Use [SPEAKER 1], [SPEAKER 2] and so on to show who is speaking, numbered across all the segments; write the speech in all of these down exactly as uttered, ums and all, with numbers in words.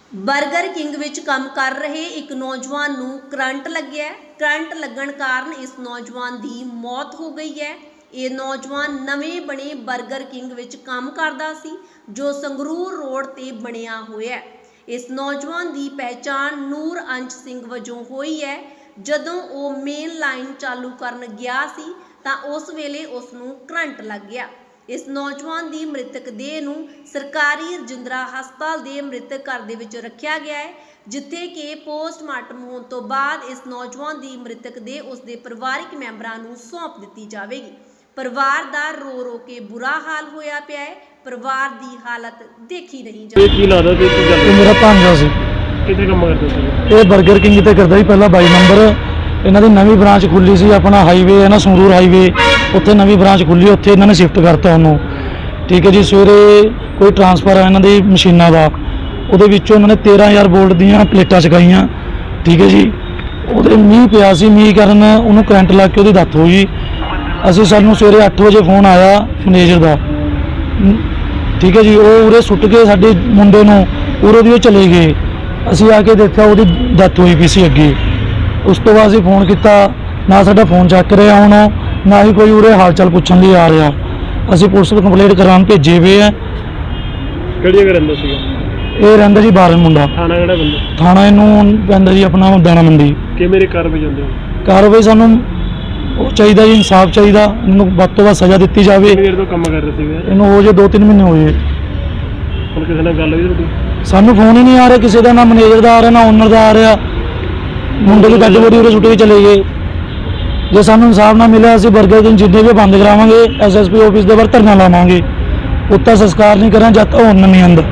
[SPEAKER 1] Burger king ਵਿੱਚ ਕੰਮ ਕਰ ਰਹੇ ਇੱਕ ਨੌਜਵਾਨ ਨੂੰ ਕਰੰਟ ਲੱਗਿਆ। ਕਰੰਟ ਲੱਗਣ ਕਾਰਨ ਇਸ ਨੌਜਵਾਨ ਦੀ ਮੌਤ ਹੋ ਗਈ ਹੈ। ਇਹ ਨੌਜਵਾਨ ਨਵੇਂ ਬਣੇ ਬਰਗਰ ਕਿੰਗ ਵਿੱਚ ਕੰਮ ਕਰਦਾ ਸੀ, ਜੋ ਸੰਗਰੂਰ ਰੋਡ ਤੇ ਬਣਿਆ ਹੋਇਆ ਹੈ। ਇਸ ਨੌਜਵਾਨ ਦੀ ਪਹਿਚਾਣ ਨੂਰ ਅੰਸ਼ ਸਿੰਘ ਵਜੋਂ ਹੋਈ ਹੈ। ਜਦੋਂ ਉਹ ਮੇਨ ਲਾਈਨ ਚਾਲੂ ਕਰਨ ਗਿਆ ਸੀ ਤਾਂ ਉਸ ਵੇਲੇ ਉਸ ਨੂੰ ਕਰੰਟ ਲੱਗ ਗਿਆ। इस नौजवान की मृतक देह नूं सरकारी रजिंद्रा हस्पताल के मृतक घर दे विच रखा गया है, जिथे कि पोस्टमार्टम होने तो बाद इस नौजवान की मृतक देह उसके परिवारिक मैंबरां नूं सौंप दी जाएगी। परिवार का रो रो के बुरा हाल होया पिया है। परिवार की हालत देखी नहीं जाती।
[SPEAKER 2] मेरा भांजा सी,
[SPEAKER 3] किथे काम करदा सी?
[SPEAKER 2] ये बर्गर किंग ते करदा सी पहला बाई नंबर। इन्हां दी नवीं ब्रांच खुली सी, अपना हाईवे है ना संगरूर हाईवे, उत्थे नवीं ब्रांच खुली, उत्थे इन्हां ने शिफ्ट करता उन्होंने। ठीक है जी। सवेरे कोई ट्रांसफर है इन्हां दी मशीनां दा, उहदे विचों इन्हां ने तेरह हज़ार वोल्ट दीयां प्लेटां चकाईयां। ठीक है जी। उहदे मींह पिया सी, मींह कारण उहनूं करंट लग के उहदी डेथ हो गई। असीं सानूं सवेरे अठ बजे फोन आया मैनेजर दा। ठीक है जी। वो उरे सुट के साडे मुंडे नूं उरे दी चले गए। असीं आके देखा उहदी डेथ होई पई सी अगे। उस तो बाद असीं फोन किया, ना साडा फोन चक रहा हुण, ना ही कोई उरे हाल चाल पुछण लई आ रहा। असीं पुलिस नूं कंप्लेंट कराउण भेजे हुए है।
[SPEAKER 3] किहड़ी जगह रहिंदा सीगा?
[SPEAKER 2] ये रहिंदा जी बारन मुंडा।
[SPEAKER 3] थाना किहड़ा बंदा?
[SPEAKER 2] थाना इनू पैंदा जी अपना दाणा मंडी।
[SPEAKER 3] किवें दी कार्रवाई चाहुंदे हो?
[SPEAKER 2] कार्रवाई सानूं ਉਹ ਚਾਹੀਦਾ ਜੀ, इंसाफ ਚਾਹੀਦਾ, ਇਹਨੂੰ ਵੱਧ ਤੋਂ ਵੱਧ ਸਜ਼ਾ ਦਿੱਤੀ ਜਾਵੇ।
[SPEAKER 3] ਕਿੰਨੇ ਦੇਰ ਤੋਂ ਕੰਮ ਕਰ ਰਹੇ ਸੀਗੇ?
[SPEAKER 2] ਇਹਨੂੰ ਹੋ ਜੇ ਦੋ ਤਿੰਨ ਮਹੀਨੇ ਹੋ ਜੇ।
[SPEAKER 3] ਹੁਣ ਕਿਸੇ ਨਾਲ ਗੱਲ ਹੋਈ ਤੁਹਾਡੀ?
[SPEAKER 2] ਸਾਨੂੰ ਫੋਨ ਹੀ ਨਹੀਂ ਆ ਰਿਹਾ ਕਿਸੇ ਦਾ, ਨਾ ਮੈਨੇਜਰ ਦਾ ਆ ਰਿਹਾ, ਨਾ ਓਨਰ ਦਾ ਆ ਰਿਹਾ। ਮੁੰਡੇ ਦੀ ਡੈਡ ਬੋਡੀ ਉਰੇ ਸੁੱਟ ਕੇ ਚਲੇ ਗਏ। ਜੇ ਸਾਨੂੰ ਇਨਸਾਫ ਨਾ ਮਿਲਿਆ ਅਸੀਂ ਬਰਗਰ ਕਿੰਗ ਜਿੰਨੇ ਵੀ ਬੰਦ ਕਰਾਵਾਂਗੇ, ਐਸ ਐਸ ਪੀ ਆਫਿਸ ਦੇ ਬਾਹਰ ਧਰਨਾ ਲਾਵਾਂਗੇ। ਉੱਤਾ ਸੰਸਕਾਰ ਨਹੀਂ ਕਰਾਂ ਜਦ ਤੱਕ ਹੁਣ ਨਹੀਂ ਆਉਂਦਾ।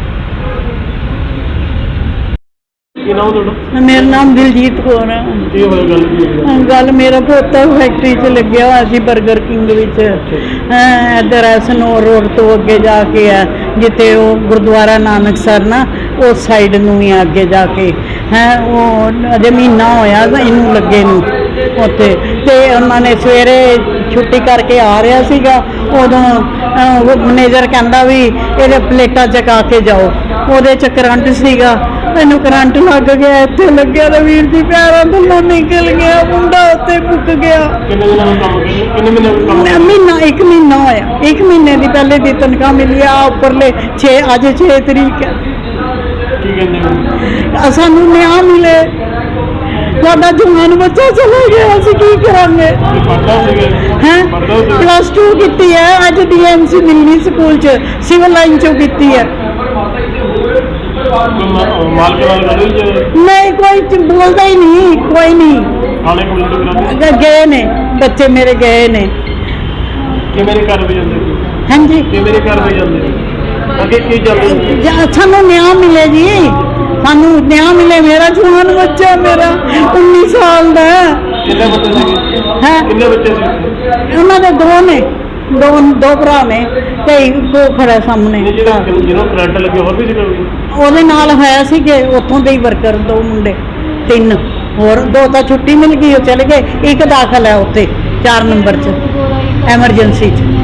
[SPEAKER 3] ਕੀ ਨਾਮ ਤੁਹਾਡਾ?
[SPEAKER 4] मेरा नाम दिलजीत कौर है।
[SPEAKER 3] ਕੀ ਹੋਇਆ ਗੱਲ ਕੀ ਹੋਈ?
[SPEAKER 4] गल मेरा पोता फैक्ट्री च लग्या हुआ सी बर्गर किंग विच। इधर है सनौर रोड तो अगे जाके है जिते वो गुरुद्वारा नानक सर ना उस साइड नूं ही अगे जाके है। वो अजे महीना होया इनू लगे नूं उत्थे ते उन्होंने सवेरे छुट्टी करके आ रहा सीगा। उदों मैनेजर कहंदा भी इहदे प्लेटां चका के जाओ। उहदे च करंट सीगा, मैनू करंट लग गया, इत्थे लग्या तो वीर जी पैरों थल्लों निकल गया, मुंडा उत्ते मुक गया।
[SPEAKER 3] ਕਿੰਨੇ ਦਿਨਾਂ ਦਾ ਕੰਮ ਕੀਤਾ? किन्ने महीने ਦਾ ਕੰਮ?
[SPEAKER 4] महीना एक महीना होया, एक महीने की पहले दी तनख्वाह मिली आ उपरले छे अज छे तरीक है।
[SPEAKER 3] ਕੀ ਕਹਿੰਦੇ ਹੋ?
[SPEAKER 4] सानू न्याय मिले, साडा जवान बच्चा चला गया, असीं की करांगे?
[SPEAKER 3] ਇਹ ਪੜ੍ਹਦਾ ਸੀਗਾ?
[SPEAKER 4] हैं
[SPEAKER 3] पढ़दा सीगा?
[SPEAKER 4] प्लस टू की है, अज D M C Delhi school च सिविल लाइन चो की है।
[SPEAKER 3] मालक नाल ਗੱਲ ਹੋਈ ਜਾਂ
[SPEAKER 4] नहीं कोई च- बोलता ही नहीं, कोई नहीं।
[SPEAKER 3] ਥਾਣੇ ਕੰਪਲੇਂਟ ਕਰਾਉਂਦੇ?
[SPEAKER 4] ग- गए ने बच्चे मेरे गए ने।
[SPEAKER 3] ਕਿਵੇਂ ਦੀ ਕਾਰਵਾਈ ਜਾਂਦੇ?
[SPEAKER 4] हाँ जी।
[SPEAKER 3] ਕਿਵੇਂ ਦੀ ਕਾਰਵਾਈ ਜਾਂਦੇ? ਅੱਗੇ ਕੀ ਚੱਲਦਾ?
[SPEAKER 4] ज- सानू न्याय मिले जी, सानू न्याय मिले। मेरा जवान बच्चा मेरा उन्नीस साल का है।
[SPEAKER 3] ਕਿੰਨੇ ਬੱਚੇ ਸੀਗੇ?
[SPEAKER 4] हैं
[SPEAKER 3] ਕਿੰਨੇ ਬੱਚੇ ਸੀ?
[SPEAKER 4] उन्होंने दो ने, दो दो भरा ने ते इको खड़ा सामने।
[SPEAKER 3] ਜਿਹੜਾ ਜਿਹਨੂੰ ਕਰੰਟ ਲੱਗੇ ਹੋਰ ਵੀ ਸੀਗਾ ਕੋਈ?
[SPEAKER 4] ਉਹਦੇ ਨਾਲ ਹੋਇਆ ਸੀ ਕਿ ਉੱਥੋਂ ਦੇ ਹੀ ਵਰਕਰ ਦੋ ਮੁੰਡੇ, ਤਿੰਨ ਹੋਰ, ਦੋ ਤਾਂ ਛੁੱਟੀ ਮਿਲ ਗਈ ਉਹ ਚਲੇ ਗਏ, ਇੱਕ ਦਾਖਲ ਹੈ ਉੱਥੇ ਚਾਰ ਨੰਬਰ 'ਚ ਐਮਰਜੈਂਸੀ 'ਚ।